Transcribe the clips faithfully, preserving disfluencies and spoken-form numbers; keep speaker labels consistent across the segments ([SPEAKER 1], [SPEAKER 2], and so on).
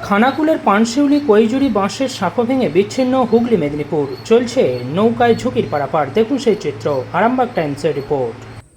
[SPEAKER 1] খানাকুলের পানশিউলি কৈজুরি বাঁশের সাঁকো ভেঙে বিচ্ছিন্ন হুগলি মেদিনীপুর। চলছে নৌকায় ঝুঁকির পারাপার। দেখুন সেই চিত্র, আরামবাগ টাইমসের রিপোর্ট।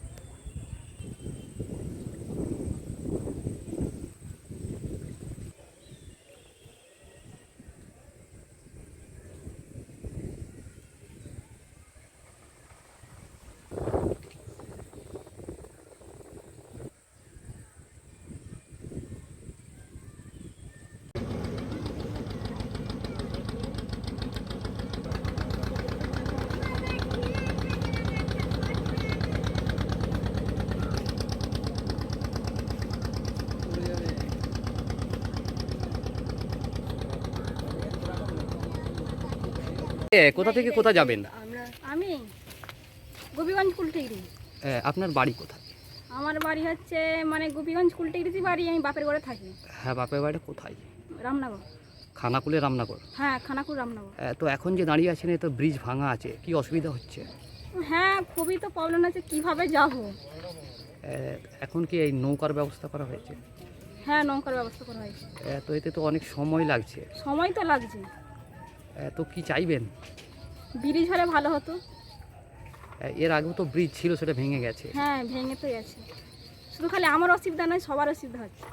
[SPEAKER 2] এ, কোথা থেকে কোথা যাবেন?
[SPEAKER 3] আমি গোপীগঞ্জ কুলটিগরি।
[SPEAKER 2] এ, আপনার বাড়ি কোথায়?
[SPEAKER 3] আমার বাড়ি হচ্ছে মানে গোপীগঞ্জ কুলটিগরিতে বাড়ি, আমি বাপের ঘরে থাকি।
[SPEAKER 2] হ্যাঁ, বাপের বাড়ি কোথায়?
[SPEAKER 3] রামনগর।
[SPEAKER 2] খানাকুলে রামনগর।
[SPEAKER 3] হ্যাঁ, খানাকুল রামনগর।
[SPEAKER 2] এ, তো এখন যে দাঁড়িয়ে আছেন, এ তো ব্রিজ ভাঙা আছে, কি অসুবিধা হচ্ছে?
[SPEAKER 3] হ্যাঁ, খুবই তো প্রবলেম আছে, কিভাবে যাব।
[SPEAKER 2] এ, এখন কি এই নৌকার ব্যবস্থা করা হয়েছে?
[SPEAKER 3] হ্যাঁ, নৌকার ব্যবস্থা করা হয়েছে।
[SPEAKER 2] এ, তো এতে তো অনেক সময় লাগছে।
[SPEAKER 3] সময় তো লাগছে,
[SPEAKER 2] এ, তো কি চাইবেন?
[SPEAKER 3] ব্রিজ হলে ভালো হতো।
[SPEAKER 2] এ, এর আগেও তো ব্রিজ ছিল, সেটা ভেঙে গেছে।
[SPEAKER 3] হ্যাঁ, ভেঙে তো গেছে। শুধু খালি আমার অসুবিধা নয়, সবার অসুবিধা হচ্ছে।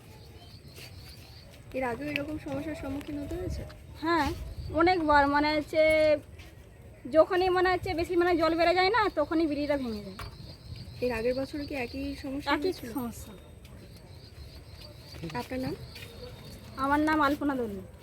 [SPEAKER 4] এর আগেও এরকম সমস্যার সম্মুখীন হতে হয়েছে?
[SPEAKER 3] হ্যাঁ, অনেকবার মানে হচ্ছে যখনই মানে হচ্ছে বেশি মানে জল বেড়ে যায় না, তখনই ব্রিজটা ভেঙে যায়।
[SPEAKER 4] এর আগের বছর কি একই সমস্যা
[SPEAKER 3] একই
[SPEAKER 4] হয়েছিল?
[SPEAKER 3] সমস্যা।
[SPEAKER 4] আপনার নাম?
[SPEAKER 3] আমার নাম আলপনা দলুই।